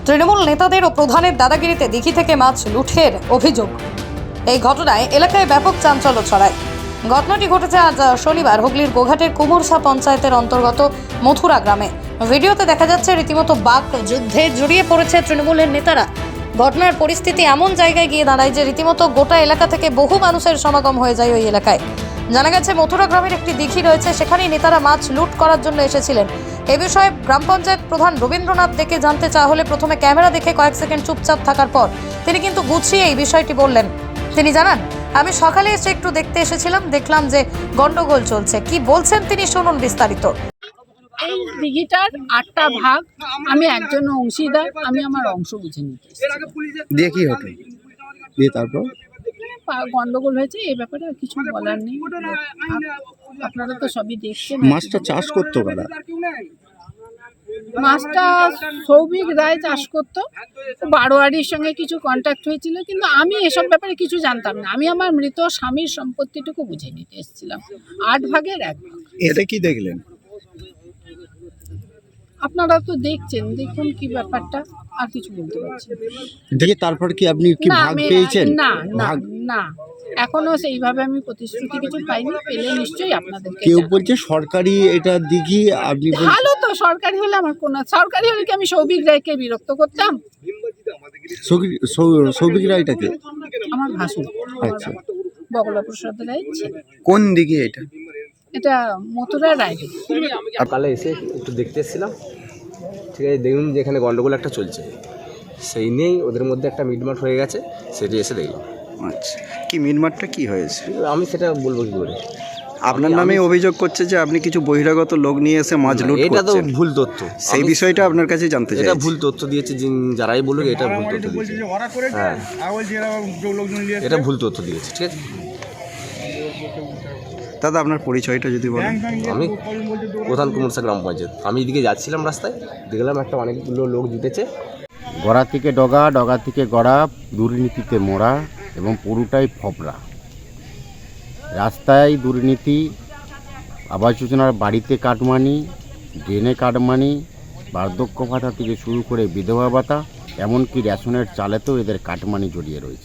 তৃণমূল নেতাদের ও প্রধানের দাদাগিরিতে দিঘি থেকে মাছ লুঠের অভিযোগ। এই ঘটনায় এলাকায় ব্যাপক চাঞ্চল্য ছড়ায়। ঘটনাটি ঘটেছে আজ শনিবার হুগলির গোঘাটের কুমুরসা পঞ্চায়েতের অন্তর্গত মথুরা গ্রামে। ভিডিওতে দেখা যাচ্ছে রীতিমতো বাক যুদ্ধে জড়িয়ে পড়েছে তৃণমূলের নেতারা। ঘটনার পরিস্থিতি এমন জায়গায় গিয়ে দাঁড়ায় যে রীতিমতো গোটা এলাকা থেকে বহু মানুষের সমাগম হয়ে যায় ওই এলাকায়। জানা গেছে মথুরা গ্রামের একটি দিঘি রয়েছে, সেখানেই নেতারা মাছ লুট করার জন্য এসেছিলেন। এ বিষয়ে গ্রাম পঞ্চায়েত প্রধান রবীন্দ্রনাথ দেখে জানতে চাওয়া হলে প্রথমে ক্যামেরা দেখে কয়েক সেকেন্ড চুপচাপ থাকার পর তিনি কিন্তু গুছিয়ে এই বিষয়টি বললেন। তিনি জানান, আমি সকালে এসে একটু দেখতে এসেছিলাম, দেখলাম যে গন্ডগোল চলছে। কি বলছেন তিনি শুনুন বিস্তারিত। এই দিঘিটার 8টা ভাগ, আমি একজন অংশীদার, আমি আমার অংশ বুঝে নিতে দিয়ে কি হতো দিয়ে তারপর গন্ডগোল হয়েছে। এই ব্যাপারে আর কিছু বলার নেই, আপনারা তো সবই দেখছেন। মাছটা চাষ করতো কারা? মাছটা সৌভিক রায় চাষ করতো, বারোয়ারির সঙ্গে কিছু কন্ট্যাক্ট হয়েছিল, কিন্তু আমি এসব ব্যাপারে কিছু জানতাম না। আমি আমার মৃত স্বামীর সম্পত্তিটুকু বুঝে নিতে এসেছিলাম। 8 ভাগের 1 ভাগ। এটা কি দেখলেন? আপনারা তো দেখছেন, দেখুন কি ব্যাপারটা, আর কিছু বলতে পারছি না। দেখে তারপর কি আপনি কি না, ভাগ পেয়েছেন? না না না, এখনো সেইভাবে আমি প্রতিশ্রুতি কিছু পাইনি। পেলে নিশ্চয়ই আপনাদেরকে। কেউ বলছে সরকারি এটা দিঘি, আপনি ভালো তো, সরকারি হলে আমার কোন, সরকারি হলে কি আমি সৌভিক রায়কে বিরক্ত করতাম? সৌভিক রায়টাকে আমার ভাসুর, আচ্ছা, বগলা প্রসাদ রায় ছিল। কোন দিঘি এটা? এটা মথুরা রায়। সকালে এসে একটু দেখতে এসেছিলাম, ঠিক আছে, দেখুন যে এখানে গন্ডগোল একটা চলছে, সেই নিয়েই ওদের মধ্যে একটা মিটমাট হয়ে গেছে, সেটি এসে দেখলাম। আচ্ছা, কি মিটমাটটা কি হয়েছে? আমি সেটা বলবো কি করে? আপনার নামে অভিযোগ করছে যে আপনি কিছু বহিরাগত লোক নিয়ে এসে মাছ লুট করছেন। এটা তো ভুল তথ্য। সেই বিষয়টা আপনার কাছে জানতে চাই। এটা ভুল তথ্য দিয়েছে, যারাই বলুক এটা ভুল তথ্য দিয়েছে। হ্যাঁ, এটা ভুল তথ্য দিয়েছে, ঠিক আছে। দাদা, আপনার পরিচয়টা যদি বলেন। আমি প্রধান কুমুরসা গ্রাম পঞ্চায়েত। আমি এদিকে যাচ্ছিলাম, রাস্তায় দেখলাম একটা অনেকগুলো লোক জুটেছে। গড়া থেকে ডগা, ডগা থেকে গড়া, দুর্নীতিতে মোড়া এবং পুরোটাই ফবরা। রাস্তায় দুর্নীতি, আবাস যোজনার বাড়িতে কাটমানি, ড্রেনে কাটমানি, বার্ধক্য ভাতা থেকে শুরু করে বিধবা ভাতা, এমনকি রেশনের চালেতেও এদের কাটমানি জড়িয়ে রয়েছে।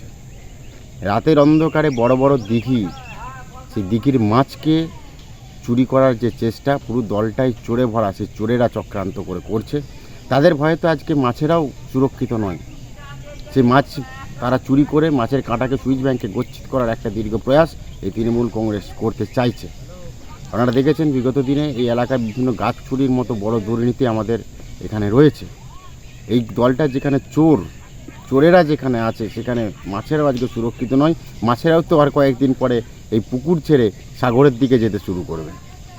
রাতের অন্ধকারে বড় বড় দিঘি, সেই দিঘির মাছকে চুরি করার যে চেষ্টা, পুরো দলটাই চোরে ভরা, সেই চোরেরা চক্রান্ত করছে। তাদের ভয়ে তো আজকে মাছেরাও সুরক্ষিত নয়। সে মাছ তারা চুরি করে মাছের কাঁটাকে সুইচ ব্যাংকে গচ্ছিত করার একটা দীর্ঘ প্রয়াস এই তৃণমূল কংগ্রেস করতে চাইছে। আপনারা দেখেছেন বিগত দিনে এই এলাকায় বিভিন্ন গাছ চুরির মতো বড় দুর্নীতি আমাদের এখানে রয়েছে। এই দলটা যেখানে চোরেরা যেখানে আছে, সেখানে মাছেরাও আজকে সুরক্ষিত নয়। মাছেরাও তো আর কয়েকদিন পরে এই পুকুর ছেড়ে সাগরের দিকে যেতে শুরু করবে।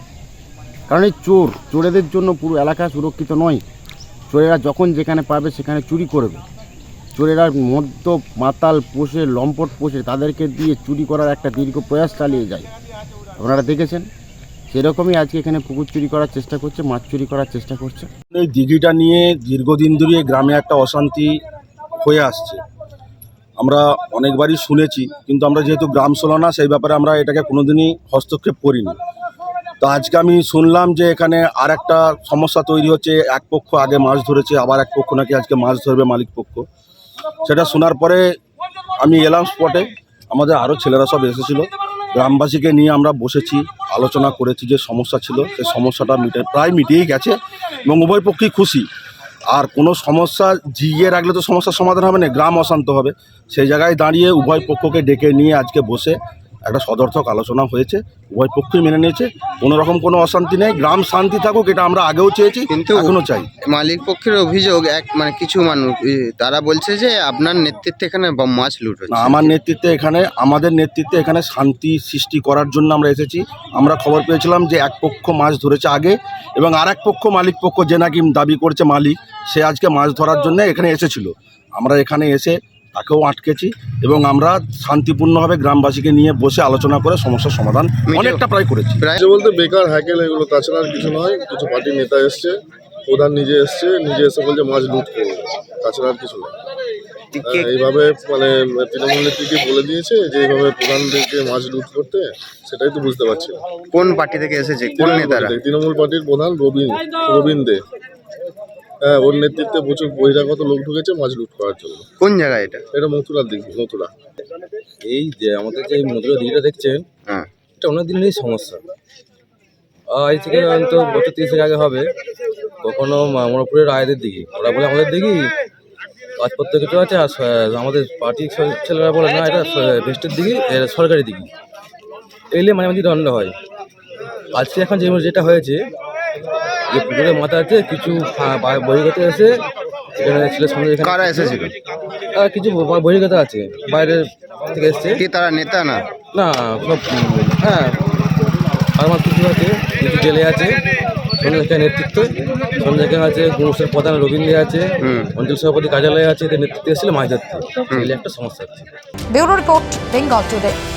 কারণ এই চোরেদের জন্য পুরো এলাকা সুরক্ষিত নয়। চোরেরা যখন যেখানে পাবে সেখানে চুরি করবে। চোরেরা মদ্য মাতাল পোষে, লম্পট পোষে, তাদেরকে দিয়ে চুরি করার একটা দীর্ঘ প্রয়াস চালিয়ে যায়। আপনারা দেখেছেন সেরকমই আজকে এখানে পুকুর চুরি করার চেষ্টা করছে, মাছ চুরি করার চেষ্টা করছে। এই দিঘিটা নিয়ে দীর্ঘদিন ধরে গ্রামে একটা অশান্তি হয়ে আসছে। আমরা অনেকবারই শুনেছি, কিন্তু আমরা যেহেতু গ্রাম ছিল না, সেই ব্যাপারে আমরা এটাকে কোনোদিনই হস্তক্ষেপ করিনি। তো আজকে আমি শুনলাম যে এখানে আর একটা সমস্যা তৈরি হচ্ছে। এক পক্ষ আগে মাছ ধরেছে, আবার এক পক্ষ নাকি আজকে মাছ ধরবে মালিক পক্ষ। সেটা শোনার পরে আমি এলাম স্পটে। আমাদের আরও ছেলেরা সব এসেছিলো, গ্রামবাসীকে নিয়ে আমরা বসেছি, আলোচনা করেছি। যে সমস্যা ছিল সেই সমস্যাটা প্রায় মিটিয়েই গেছে এবং উভয় পক্ষেই খুশি। আর কোনো সমস্যা জিগিয়ে রাখলে তো সমস্যার সমাধান হবে না, গ্রাম অশান্ত হবে। সেই জায়গায় দাঁড়িয়ে উভয় পক্ষকে ডেকে নিয়ে আজকে বসে একটা সদর্থক আলোচনা হয়েছে। উভয় পক্ষই মেনে নিয়েছে, কোনো রকম কোনো অশান্তি নেই। গ্রাম শান্তি থাকুক, এটা আমরা আগেও চেয়েছি, কিন্তু এখনও চাই। মালিক পক্ষের অভিযোগ কিছু মানুষ তারা বলছে যে আপনার নেতৃত্বে এখানে মাছ লুট হচ্ছে। আমার নেতৃত্বে এখানে, আমাদের নেতৃত্বে এখানে শান্তি সৃষ্টি করার জন্য আমরা এসেছি। আমরা খবর পেয়েছিলাম যে এক পক্ষ মাছ ধরেছে আগে, এবং আর এক পক্ষ মালিক পক্ষ যে নাকি দাবি করছে মালিক, সে আজকে মাছ ধরার জন্য এখানে এসেছিল। আমরা এখানে এসে তাকেও আটকেছি এবং আমরা শান্তিপূর্ণভাবে গ্রামবাসীকে নিয়ে বসে আলোচনা করে সমস্যার সমাধান অনেকটা প্রায় করেছি। বলতে বেকার হ্যাকেল এগুলো, তাছাড়া আর কিছু নয়। কিছু পার্টির নেতা এসছে, প্রধান নিজে এসে বলছে মাছ লুট করবে, তাছাড়া আর কিছু নয়। এইভাবে তৃণমূল নেত্রীকে বলে দিয়েছে যে এইভাবে প্রধানদেরকে মাছ লুট করতে, সেটাই তো বুঝতে পারছি না। কোন পার্টি থেকে এসেছে, কোন নেতারা? তৃণমূল পার্টির প্রধান রবীন দে। হ্যাঁ, ওর নেতৃত্বে প্রচুর বহিরাগত লোক ঢুকেছে মাছ লুট করার জন্য। কোন জায়গায় এটা? এটা মথুরার দিক, মথুরা। এই যে আমাদের যে মধুরা দিঘিটা দেখছেন, হ্যাঁ। এটা অনেক দিনেরই সমস্যা। আজ থেকে অন্তত বছর 30 আগে হবে। কখনো মামরপুরের রায়দের দিঘি, ওরা বলে আমাদের দিঘি কাজপত্র কিছু আছে, আর আমাদের পার্টির ছেলেরা বলে না এটা ভেস্টের দিঘি, এটা সরকারি দিঘি। এলে মাঝে মাঝে দ্বন্দ্ব হয়। আজকে এখন যেটা হয়েছে, যে পুকুরের মাথাতে কিছু বহির্গত এসে এখানে ছেলের সঙ্গে কারা এসেছিল? কিছু বহির্গত আছে, বাইরের থেকে এসছে। কি তারা নেতা না? না, সব হ্যাঁ, আমার কিছু আছে, কিছু জেলে আছে, সন্ধ্যাকে নেতৃত্ব, সন্ধ্যাকে আছে গুরুসের প্রধান রবীন্দ্র আছে, অঞ্চল সভাপতি কার্যালয় আছে, এদের নেতৃত্বে এসেছিল মাছ ধরতে। একটা সমস্যা আছে। Bureau report, Bengal today.